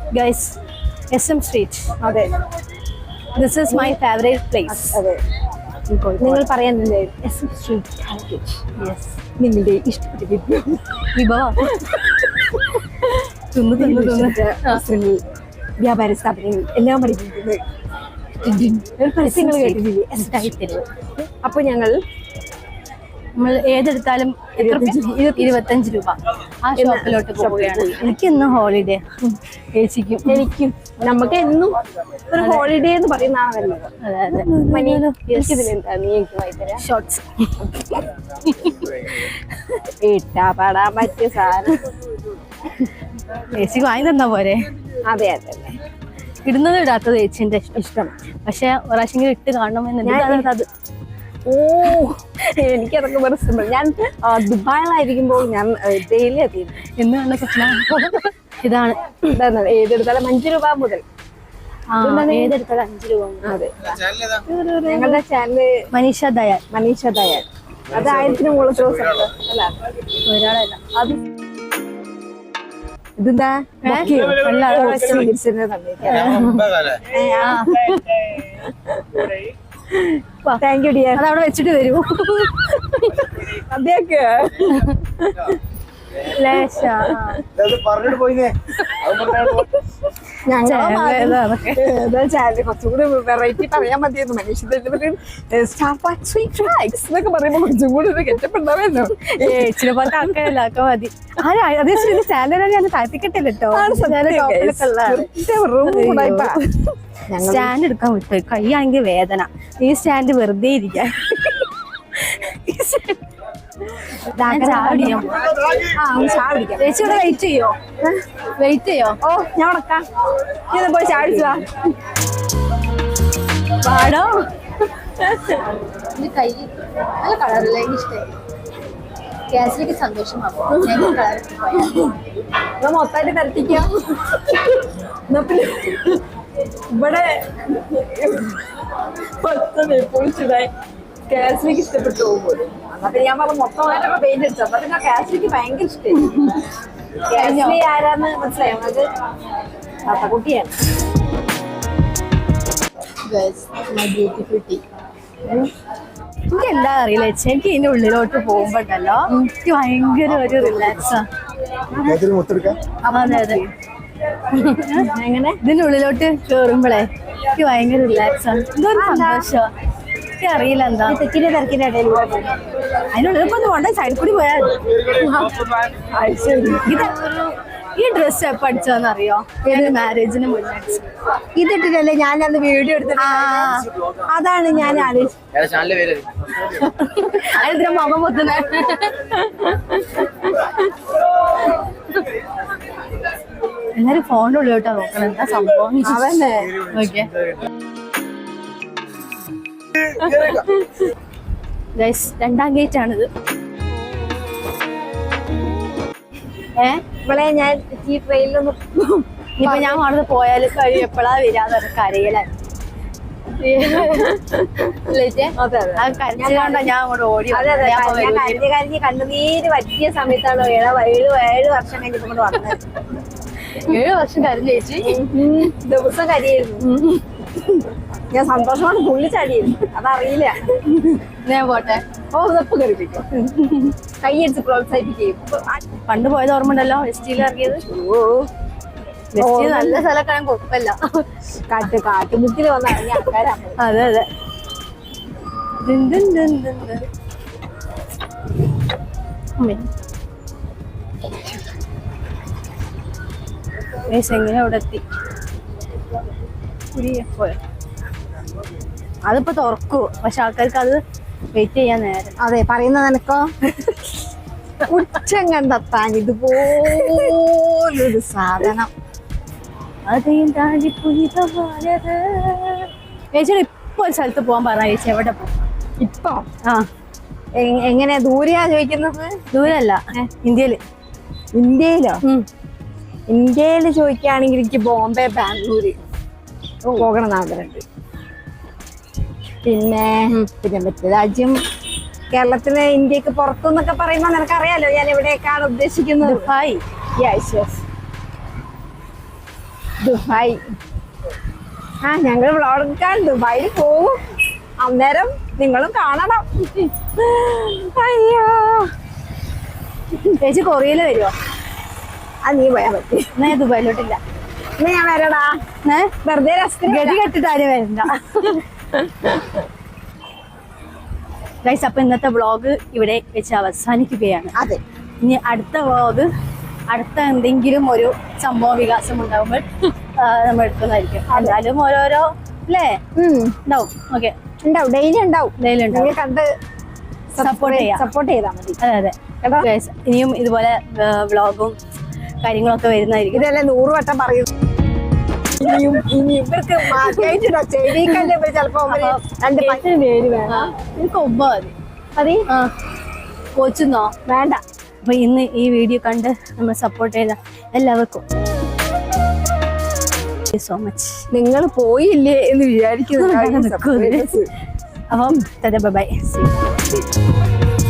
Guys SM street. അതെ, this is my favourite place. അതെ. നിങ്ങൾ പറയാനില്ലേ SM സ്ട്രീറ്റ് കാലിക്കറ്റ്? യെസ്. നിങ്ങളുടെ ഇഷ്ടപ്പെട്ട വിഭവം വസ്ത്രങ്ങൾ, വ്യാപാര സ്ഥാപനങ്ങൾ എല്ലാം പഠിപ്പിക്കുന്നത് പരസ്യങ്ങൾ കേട്ടിട്ടില്ലേ? അപ്പൊ ഞങ്ങൾ നമ്മൾ ഏതെടുത്താലും 25 രൂപ ആ ഷോപ്പിലോട്ട് പോവുകയാണ്. എനിക്ക് ഇന്ന് ഹോളിഡേ, ചേച്ചിക്കും എനിക്കും. നമുക്ക് എന്നും ഒരു ഹോളിഡേ എന്ന് പറയുന്നതാണ് നല്ലത്. എനിക്കിതിലെന്താ നീ എനിക്ക് വായിത്തരാ? ഷോർട്സ് ഇട്ടാ പാടാൻ പറ്റിയ സാധനം ചേച്ചിക്ക് വാങ്ങി തന്നാ പോരെ? അതെ അതെ അതെ. ഇടുന്നത് ഇടാത്തത് ചേച്ചിന്റെ ഇഷ്ടം. പക്ഷെ ഒരാശെങ്കിലും ഇട്ട് കാണണമെന്ന്. അത് ഓ, എനിക്കതൊക്കെ വെറുതെ സിമ്പിൾ. ഞാൻ ദുബായിലായിരിക്കുമ്പോൾ ഞാൻ ഡെയിലി എത്തിയിരുന്നു. എന്ന് കണ്ട സ്വപ്നം ഇതാണ്. ഏതെടുത്താലും 5 രൂപ മുതൽ. ഏതെടുത്താലും 5 രൂപ. അതെ, ഞങ്ങളുടെ ചാനല് മനീഷ ദയാൽ. അത് 1000 മുകളിൽ അല്ല ഒരാളല്ല. അത് ഇതെന്താ? Thank you dear. അതവിടെ വെച്ചിട്ട് വരൂ. അതെയൊക്കെ കുറച്ചുകൂടി വെറൈറ്റി പറയാൻ മതിയായിരുന്നു. മനുഷ്യർക്ക് എന്നൊക്കെ പറയുമ്പോ കുറച്ചും കൂടി ഒരു കെറ്റപ്പുണ്ടാവല്ലോ. ചില പോലത്തെ ആൾക്കാരല്ല ഒക്കെ മതി. അതേ സ്റ്റാൻഡേർഡ് ഞാൻ താഴ്ത്തിക്കെട്ടില്ല കേട്ടോ. സ്റ്റാൻഡ് എടുക്കാൻ വിട്ടു. കൈയാണെങ്കിൽ വേദന. ഈ സ്റ്റാൻഡ് വെറുതെ ഇരിക്കാൻ. ചേച്ചി ഇവിടെ വെയിറ്റ് ചെയ്യോ? ഓ, ഞാൻ ഉടക്കാം. ഇത് പോയി ചാടിച്ചാ പാടോ. കൈ നല്ല കളറില്ല, എനിക്ക് ഇഷ്ടമായി. ഗ്യാസിലേക്ക് സന്തോഷമാകും. മൊത്തമായിട്ട് തരത്തിക്കാം. ഇവിടെ പൊളിച്ചതായി കാസിലേക്ക് ഇഷ്ടപ്പെട്ടു പോകുമ്പോൾ അപ്പൊ ഞാൻ പറഞ്ഞ മൊത്തമായിട്ടൊക്കെ പെയിന്റ് അടിച്ചു. അപ്പൊ പിന്നെ കാസിലേക്ക് ഭയങ്കര ഇഷ്ടമായി. കാസിലി ആരാന്ന് മനസ്സിലായോ? അത് കുട്ടിയാണ്. എനിക്ക് എന്താ അറിയില്ല ചേച്ചി, എനിക്ക് ഇതിന്റെ ഉള്ളിലോട്ട് പോകുമ്പോണ്ടല്ലോ എനിക്ക് ഭയങ്കര ഒരു റിലാക്സാ. അതെ, എങ്ങനെ ഇതിന്റെ ഉള്ളിലോട്ട് കേറുമ്പോഴേ എനിക്ക് ഭയങ്കര റിലാക്സാണ്. എന്തൊരു സന്തോഷം. എനിക്ക് അറിയില്ല എന്താ. തെക്കിന്റെ തിരക്കിന്റെ ഇടയിൽ അതിനുള്ളിൽ ഇപ്പൊ പോണ്ട, സൈഡിൽ കൂടി പോയാൽ. ഈ ഡ്രസ് എപ്പോ അടിച്ചതെന്ന് അറിയോ? ഏതൊരു മാരേജിന് മുന്നേ ഇതിട്ടിട്ടല്ലേ ഞാൻ അന്ന് വീഡിയോ എടുത്തിട്ട്. അതാണ് ഞാൻ ആലോചിച്ചത്. അതിന് മുഖം പൊത്തുന്ന എല്ലാരും ഫോണിന്റെ ഉള്ളിലോട്ടാ നോക്കണം. എന്താ സംഭവം? അതന്നെ. ഓക്കെ ഗൈസ്, 2ാം ഗേറ്റ് ആണിത്. ഇവിടെ ഞാൻ ഈ ട്രെയിനിലൊന്നും ഇനിയിപ്പോ ഞാൻ അവിടെ പോയാലും കഴിയും എപ്പോഴാ വരാന്ന് കരയിലായി. കരച്ചിലോണ്ടാ ഞാൻ അങ്ങോട്ട് ഓടി. കരഞ്ഞ് കണ്ണുനീര് പറ്റിയ സമയത്താണ് 7 വർഷം കഴിഞ്ഞിട്ട് കൊണ്ട് വന്നത്. 7 വർഷം കരഞ്ഞു ചേച്ചി. ദിവസം കരിയായിരുന്നു. ഞാൻ സന്തോഷമാണ് പുള്ളി ചാടിയിരുന്നു. അതറിയില്ല. ഞാൻ പോട്ടെ. ഓ, ഉതപ്പ് കറിപ്പിക്കും. കൈയടിച്ച് പ്രോത്സാഹിപ്പിക്കും. പണ്ട് പോയത് ഓർമ്മ ഉണ്ടല്ലോ, വെസ്റ്റിയിൽ ഇറങ്ങിയത്. നല്ല സ്ഥലമൊക്കെ കുഴപ്പമില്ല. കാട്ടുമുക്കിൽ വന്ന് ഇറങ്ങിയ ആൾക്കാരാണ്. അതെ അതെ. എങ്ങനെ അവിടെ എത്തി? അതിപ്പോ തുറക്കൂ, പക്ഷെ ആൾക്കാർക്ക് അത് വെയിറ്റ് ചെയ്യാൻ നേരം. അതെ, പറയുന്ന നിനക്കോ ഉച്ചം കണ്ടെത്താൻ ഇതുപോലൊരു സാധനം. ചേച്ചിയുടെ ഇപ്പൊ ഒരു സ്ഥലത്ത് പോകാൻ പറഞ്ഞ ചേച്ചി എവിടെ പോകും ഇപ്പൊ? എങ്ങനെ ദൂരെയാ ചോദിക്കുന്നത്? ദൂരല്ല, ഇന്ത്യയില്. ഇന്ത്യയിലോ? ഇന്ത്യയില് ചോദിക്കുകയാണെങ്കിൽ എനിക്ക് ബോംബെ, ബാംഗ്ലൂര് പോകണം ആഗ്രഹമുണ്ട്. പിന്നെ മറ്റു രാജ്യം കേരളത്തിലെ ഇന്ത്യക്ക് പുറത്തുനിന്നൊക്കെ പറയുമ്പോൾ നിനക്കറിയാലോ ഞാൻ എവിടേക്കാണ് ഉദ്ദേശിക്കുന്നത്. ദുബായ്. Yes yes, Dubai. ഞങ്ങൾ വ്ളോഗെടുക്കാൻ ദുബായിൽ പോവും. അന്നേരം നിങ്ങളും കാണണം. അയ്യോ ചേച്ചി കൊറിയയിൽ വരുമോ? നീ പോയാ പറ്റി. എന്നാ ഞാൻ ദുബായിലോട്ടില്ല. എന്നാ ഞാൻ വരടാ. വെറുതെ ഗതി കെട്ടിട്ട് ആരും വരണ്ട. ഗൈസ്, അപ്പൊ ഇന്നത്തെ വ്ളോഗ് ഇവിടെ വെച്ച് അവസാനിക്കുകയാണ്. അതെ, ഇനി അടുത്ത വ്ളോഗ് അടുത്ത എന്തെങ്കിലും ഒരു സംഭവ വികാസം ഉണ്ടാകുമ്പോൾ നമ്മൾ എടുക്കുന്നതായിരിക്കും. എന്തായാലും ഓരോരോ അല്ലേ ഉണ്ടാവും. ഓക്കെ, ഉണ്ടാവും, ഡെയിലി ഉണ്ടാവും. ഡെയിലി ഉണ്ടാവും. കണ്ട് സപ്പോർട്ട് ചെയ്താൽ മതി. അതെ അതെ. ഗൈസ്, ഇനിയും ഇതുപോലെ വ്ളോഗും കാര്യങ്ങളൊക്കെ വരുന്നതായിരിക്കും. ഇതല്ലേ 100 വട്ടം പറയും. ഇനി ഇവർക്ക് ചിലപ്പോ പേര് വേണം. എനിക്ക് ഒമ്പ മതി. കോച്ചുന്നോ വേണ്ട. അപ്പൊ ഇന്ന് ഈ വീഡിയോ കണ്ട് നമ്മൾ സപ്പോർട്ട് ചെയ്ത എല്ലാവർക്കും സോ മച്ച്. നിങ്ങൾ പോയില്ലേ എന്ന് വിചാരിക്കുന്നു. അപ്പം ബൈ.